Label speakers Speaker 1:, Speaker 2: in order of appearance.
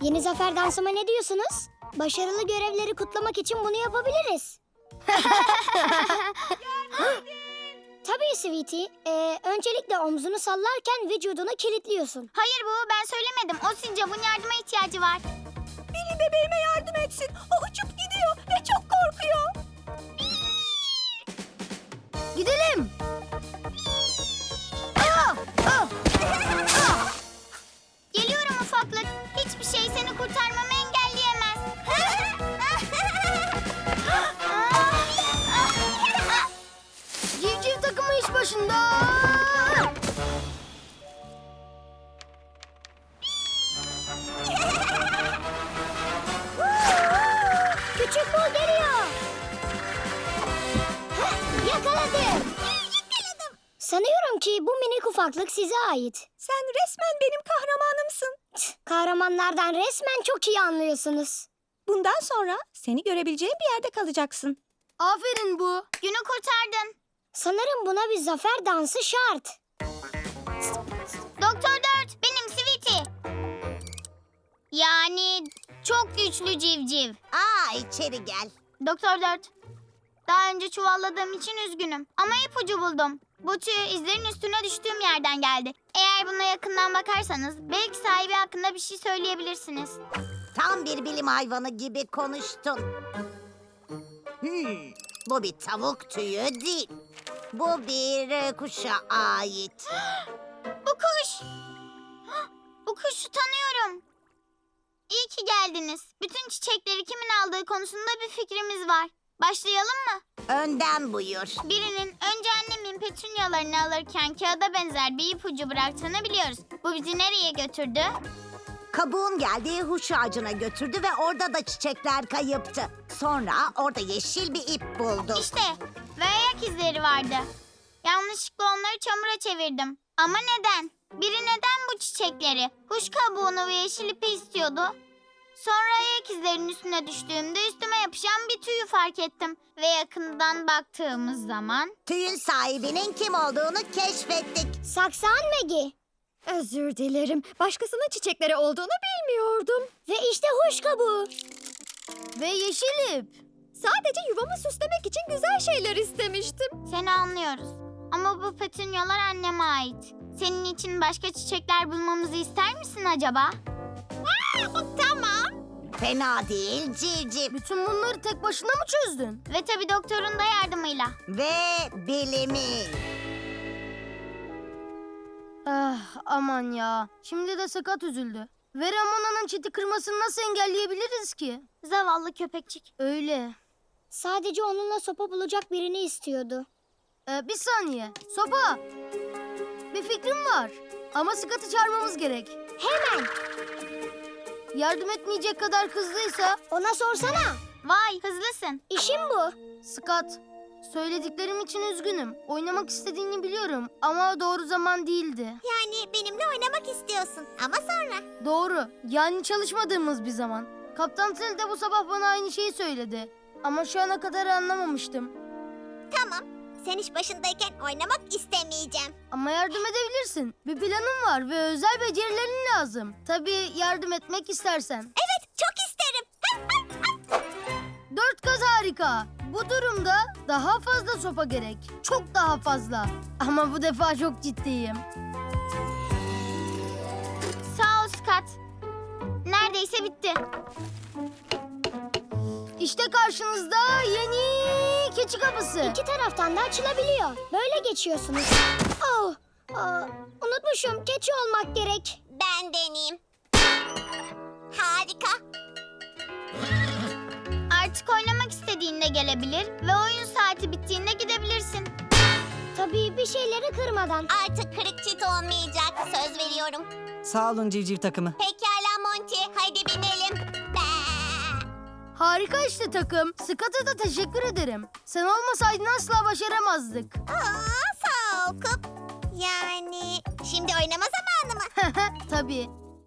Speaker 1: Yeni zafer dansıma ne diyorsunuz? Başarılı görevleri kutlamak için bunu yapabiliriz. Tabii Sweetie. Öncelikle omzunu sallarken vücudunu kilitliyorsun.
Speaker 2: Hayır bu, ben söylemedim. O sincapın yardıma ihtiyacı var.
Speaker 3: Biri bebeğime yardım etsin. O uçup gidiyor ve çok korkuyor.
Speaker 1: Gidelim.
Speaker 2: Geliyorum ufaklık. Hiçbir şey seni kurtarmamı engelleyemez.
Speaker 1: Civciv takımı iş başında. Küçük bul geliyor. Yakaladım. Sanıyorum ki bu minik ufaklık size ait.
Speaker 3: Sen resmen benim kahramanımsın.
Speaker 1: Kahramanlardan resmen çok iyi anlıyorsunuz.
Speaker 3: Bundan sonra seni görebileceğim bir yerde kalacaksın.
Speaker 1: Aferin bu.
Speaker 2: Günü kurtardın.
Speaker 1: Sanırım buna bir zafer dansı şart.
Speaker 2: Doktor 4, benim Sweetie. Yani çok güçlü civciv.
Speaker 4: İçeri gel.
Speaker 2: Doktor 4, daha önce çuvalladığım için üzgünüm. Ama ipucu buldum. Bu tüy izlerin üstüne düştüğüm yerden geldi. Eğer buna yakından bakarsanız belki sahibi hakkında bir şey söyleyebilirsiniz.
Speaker 4: Tam bir bilim hayvanı gibi konuştun. Bu bir tavuk tüyü değil. Bu bir kuşa ait.
Speaker 2: Bu kuş. Bu kuşu tanıyorum. İyi ki geldiniz. Bütün çiçekleri kimin aldığı konusunda bir fikrimiz var. Başlayalım mı?
Speaker 4: Önden buyur.
Speaker 2: Birinin önce annemin petunyalarını alırken kağıda benzer bir ipucu bıraktığını biliyoruz. Bu bizi nereye götürdü?
Speaker 4: Kabuğun geldiği huş ağacına götürdü ve orada da çiçekler kayıptı. Sonra orada yeşil bir ip buldu.
Speaker 2: İşte ve ayak izleri vardı. Yanlışlıkla onları çamura çevirdim. Ama neden? Biri neden bu çiçekleri? Kuş kabuğunu ve yeşil ipi istiyordu. Sonra ayak izlerinin üstüne düştüğümde üstüme yapışan bir tüyü fark ettim. Ve yakından baktığımız zaman...
Speaker 4: Tüyün sahibinin kim olduğunu keşfettik.
Speaker 1: Saksan Maggie.
Speaker 3: Özür dilerim. Başkasının çiçekleri olduğunu bilmiyordum.
Speaker 1: Ve işte huş kabuğu. Ve yeşil ip.
Speaker 3: Sadece yuvamı süslemek için güzel şeyler istemiştim.
Speaker 2: Seni anlıyoruz. Ama bu petunyalar anneme ait. Senin için başka çiçekler bulmamızı ister misin acaba? Tamam.
Speaker 4: Fena değil civciv.
Speaker 1: Bütün bunları tek başına mı çözdün?
Speaker 2: Ve tabii doktorun da yardımıyla.
Speaker 4: Ve bilimi.
Speaker 1: Aman ya. Şimdi de sakat üzüldü. Ve Ramona'nın çiti kırmasını nasıl engelleyebiliriz ki?
Speaker 2: Zavallı köpekçik.
Speaker 1: Öyle. Sadece onunla sopa bulacak birini istiyordu. Bir saniye. Sopa. Bir fikrim var. Ama Scott'ı çağırmamız gerek. Hemen. Yardım etmeyecek kadar hızlıysa... Ona sorsana.
Speaker 2: Vay hızlısın.
Speaker 1: İşim bu. Scott, söylediklerim için üzgünüm. Oynamak istediğini biliyorum ama doğru zaman değildi.
Speaker 4: Yani benimle oynamak istiyorsun ama sonra.
Speaker 1: Doğru. Yani çalışmadığımız bir zaman. Kaptan Tel de bu sabah bana aynı şeyi söyledi. Ama şu ana kadar anlamamıştım.
Speaker 4: Tamam. Sen iş başındayken oynamak istemeyeceğim.
Speaker 1: Ama yardım edebilirsin. Bir planım var ve özel becerilerin lazım. Tabii yardım etmek istersen.
Speaker 4: Evet, çok isterim.
Speaker 1: 4 kaz harika. Bu durumda daha fazla sopa gerek. Çok daha fazla. Ama bu defa çok ciddiyim.
Speaker 2: Sağ ol Scott. Neredeyse bitti.
Speaker 1: İşte karşınızda yeni keçi kapısı. İki taraftan da açılabiliyor. Böyle geçiyorsunuz. Oh, unutmuşum. Keçi olmak gerek.
Speaker 4: Ben deneyeyim. Harika.
Speaker 2: Artık oynamak istediğinde gelebilir ve oyun saati bittiğinde gidebilirsin.
Speaker 1: Tabii bir şeyleri kırmadan.
Speaker 4: Artık kırık çit olmayacak. Söz veriyorum.
Speaker 5: Sağ olun civciv takımı.
Speaker 4: Pekala Monty. Haydi binelim.
Speaker 1: Harika işte takım. Scott'a da teşekkür ederim. Sen olmasaydın asla başaramazdık.
Speaker 4: Sağ ol Kup. Yani şimdi oynama zamanı mı?
Speaker 1: Tabii.